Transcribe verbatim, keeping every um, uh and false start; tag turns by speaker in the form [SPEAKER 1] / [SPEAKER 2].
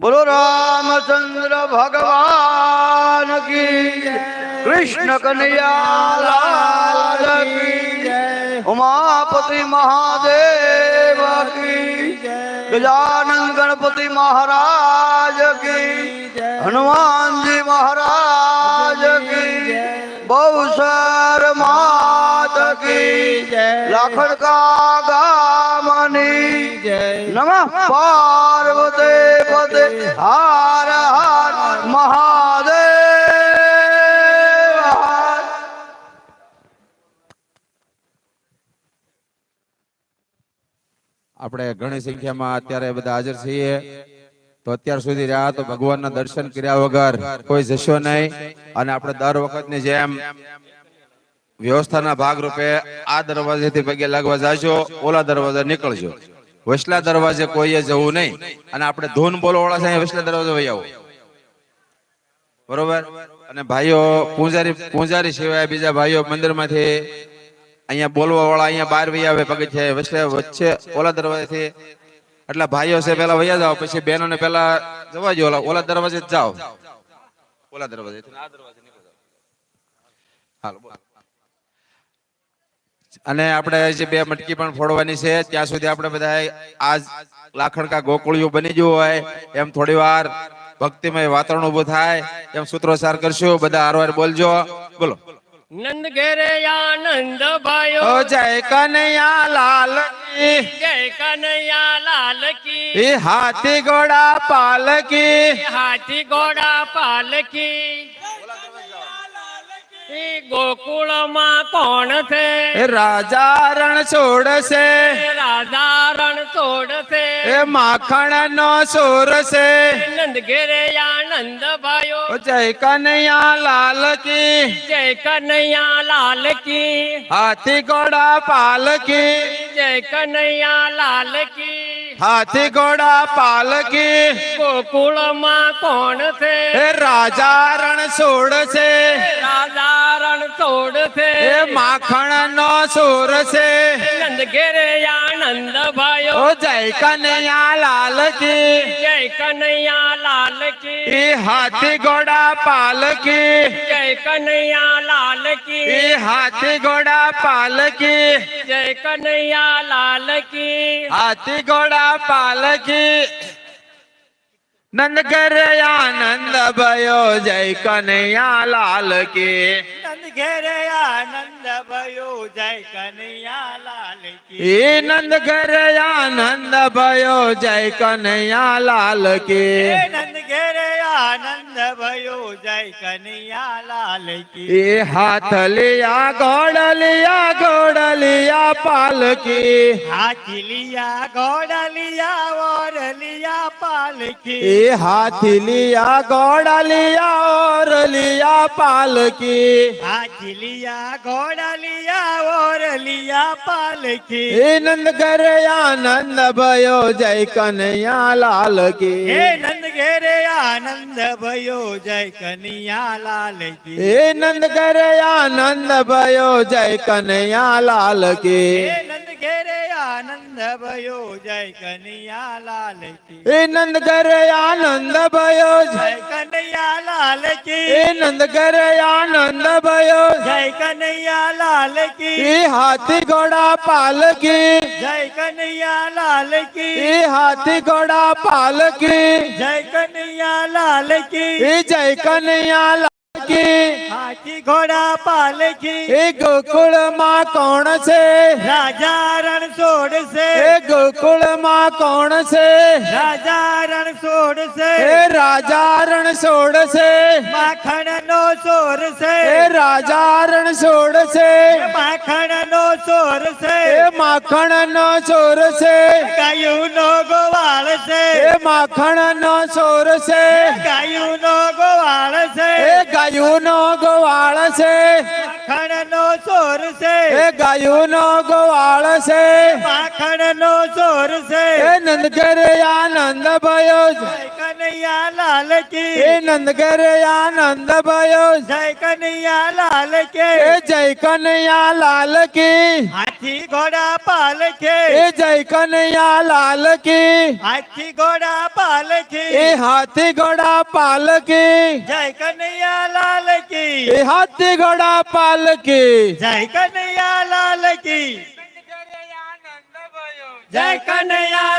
[SPEAKER 1] बोलो रामचंद्र भगवान की, कृष्ण कन्हैया लाल की, उमापति महादेव की, गजानन गणपति महाराज की, हनुमान जी महाराज की, बहुसर मात की, लाखन का गामनी, नमः पार्वती पते हर हर महादेव।
[SPEAKER 2] આપણે ઘણી સંખ્યામાં અત્યારે બધા હાજર છીએ, તો અત્યાર સુધી રહ્યા તો ભગવાનના દર્શન કર્યા વગર કોઈ જશો નહીં. અને આપણે દર વખતની જેમ વ્યવસ્થાના ભાગરૂપે આ દરવાજેથી પગે લાગવા જાજો, ઓલા દરવાજા નીકળજો. વસલા દરવાજે કોઈએ જવું નહીં. અને આપણે ધૂન બોલવાળા છે વસલા દરવાજે વહી આવો, બરોબર? અને ભાઈઓ પૂજારી પૂજારી સિવાય બીજા ભાઈઓ મંદિરમાંથી અહીંયા બોલવા વાળા અહીંયા બહાર વહી આવે પગથિયે વચ્ચે વચ્ચે ઓલા દરવાજેથી. એટલે ભાઈઓ છે પેલા વયા જાઓ, પછી બહેનોને પેલા જવા જો, ઓલા ઓલા દરવાજે જ જાઓ, ઓલા દરવાજે આ દરવાજે નીકળો. હાલો. અને આપણે જે બે મટકી પણ ફોડવાની છે ત્યાં સુધી આપણે બધા આજ લાખણકા ગોકુળિયું બની ગયું હોય એમ થોડી વાર ભક્તિમય વાતાવરણ ઉભું થાય એમ સૂત્રોચ્ચાર કરશું. બધા હારવાર બોલજો. બોલો.
[SPEAKER 3] નંદ ઘેરે આનંદ ભાયો,
[SPEAKER 2] ઓ જય કનૈયા લાલ કી,
[SPEAKER 3] જય કનૈયા લાલ કી,
[SPEAKER 2] એ હાથી ઘોડા પાલકી,
[SPEAKER 3] હાથી ઘોડા પાલકી. ગોકુળમાં કોણ છે?
[SPEAKER 2] રાજા રણ છોડશે,
[SPEAKER 3] રાજા રણ છોડશે,
[SPEAKER 2] એ માખણ નો સોર છે.
[SPEAKER 3] નંદ ઘેરે આનંદ ભાયો,
[SPEAKER 2] ઓ જય કનૈયા લાલ કી,
[SPEAKER 3] જય કનૈયા લાલ કી,
[SPEAKER 2] હાથી ઘોડા પાલકી,
[SPEAKER 3] જય કનૈયા લાલ કી.
[SPEAKER 2] હાથી ઘોડા પાલકી.
[SPEAKER 3] ગોકુળમાં કોણ છે?
[SPEAKER 2] એ રાજા રણ છોડશે,
[SPEAKER 3] રાજા રણ છોડશે,
[SPEAKER 2] એ માખણ નો સોર છે.
[SPEAKER 3] નંદ ઘેરે આનંદ ભાયો,
[SPEAKER 2] ઓ જય કનૈયા લાલ કી,
[SPEAKER 3] જય કનૈયા લાલ કી,
[SPEAKER 2] એ હાથી ઘોડા પાલકી,
[SPEAKER 3] જય કનૈયા લાલ કી,
[SPEAKER 2] એ હાથી ઘોડા પાલકી,
[SPEAKER 3] જય કનૈયા લાલ કી.
[SPEAKER 2] હાથી ઘોડા પાલકી. નંદ ઘરે આનંદ ભયો, જય કનૈયા લાલ કી,
[SPEAKER 4] નંદ ઘેરે આનંદ ભયો, જય કનૈયા લાલ કી.
[SPEAKER 2] એ નંદ ઘરે આનંદ ભયો, જય કનૈયા લાલ કી.
[SPEAKER 4] હે નંદ ઘેરે આનંદ ભયો, જય કનૈયા લાલ કી.
[SPEAKER 2] એ હાથ લિયા ઘોડલિયા, ઘોડલિયા પાલકી,
[SPEAKER 4] હાથી લિયા ઘોડા ઓર લિયા પાલકી.
[SPEAKER 2] એ હાથી લિયા ઘોડલિયા, ઓર લિયા પાલકી.
[SPEAKER 4] હાથી લિયા ઘોડા ઓર લિયા પાલકી.
[SPEAKER 2] એ નંદ ઘરે આનંદ ભયો, જય કનૈયા લાલ કી.
[SPEAKER 4] હે નંદ ઘેરે આનંદ ભયો, જય કનૈયા લાલ કી.
[SPEAKER 2] એ નંદ ઘરે આનંદ ભયો, જય કનૈયા લાલ કી.
[SPEAKER 4] હે નંદ ઘેરે આનંદ ભયો, જય કનૈયા લાલ કી.
[SPEAKER 2] એ નંદ ઘરે આનંદ ભયો,
[SPEAKER 4] જય કનૈયા લાલ કી.
[SPEAKER 2] એ નંદ ઘરે આનંદ ભયો,
[SPEAKER 4] જય કનૈયા લાલ કી.
[SPEAKER 2] એ હાથી ઘોડા પાલકી,
[SPEAKER 4] જય કનૈયા લાલ કી.
[SPEAKER 2] એ હાથી ઘોડા પાલકી,
[SPEAKER 4] જય કનૈયા લાલ કી.
[SPEAKER 2] એ જય કનૈયા લાલ કી.
[SPEAKER 4] હાથી ઘોડા પાલકી.
[SPEAKER 2] એ ગોકુળ માં કોણ છે?
[SPEAKER 4] રાજા રણ છોડશે,
[SPEAKER 2] એ ગોકુળ માં કોણ છે?
[SPEAKER 4] રાજા રણ છોડશે,
[SPEAKER 2] એ રાજા રણ છોડશે,
[SPEAKER 4] માખણ નો ચોર છે,
[SPEAKER 2] એ રાજા રણ છોડશે,
[SPEAKER 4] માખણ નો ચોર છે,
[SPEAKER 2] એ માખણ નો ચોર છે,
[SPEAKER 4] ગાયું નો ગોવાળ છે,
[SPEAKER 2] એ માખણ નો ચોર છે,
[SPEAKER 4] ગાયું નો ગોવાળ છે,
[SPEAKER 2] એ ગાયું ગાયુંનો ગવાળ છે
[SPEAKER 4] માખણ નો સોર છે
[SPEAKER 2] એ ગાયુંનો ગવાળ છે
[SPEAKER 4] માખણ નો સોર છે
[SPEAKER 2] એ નંદ ઘરે આનંદ ભયો
[SPEAKER 4] જય કનૈયા લાલ કી
[SPEAKER 2] એ નંદ ઘરે આનંદ ભયો
[SPEAKER 4] જય કનૈયા લાલ કે
[SPEAKER 2] એ જય કનૈયા લાલ કી
[SPEAKER 4] હાથી ઘોડા પાલખે
[SPEAKER 2] એ જય કનૈયા લાલ કી
[SPEAKER 4] હાથી ઘોડા પાલખે
[SPEAKER 2] એ હાથી ઘોડા પાલકી
[SPEAKER 4] જય કનૈયા લાલ કી
[SPEAKER 2] એ હાથી ઘોડા પાલકી
[SPEAKER 4] જય કનૈયા લાલ કી જય કનૈયા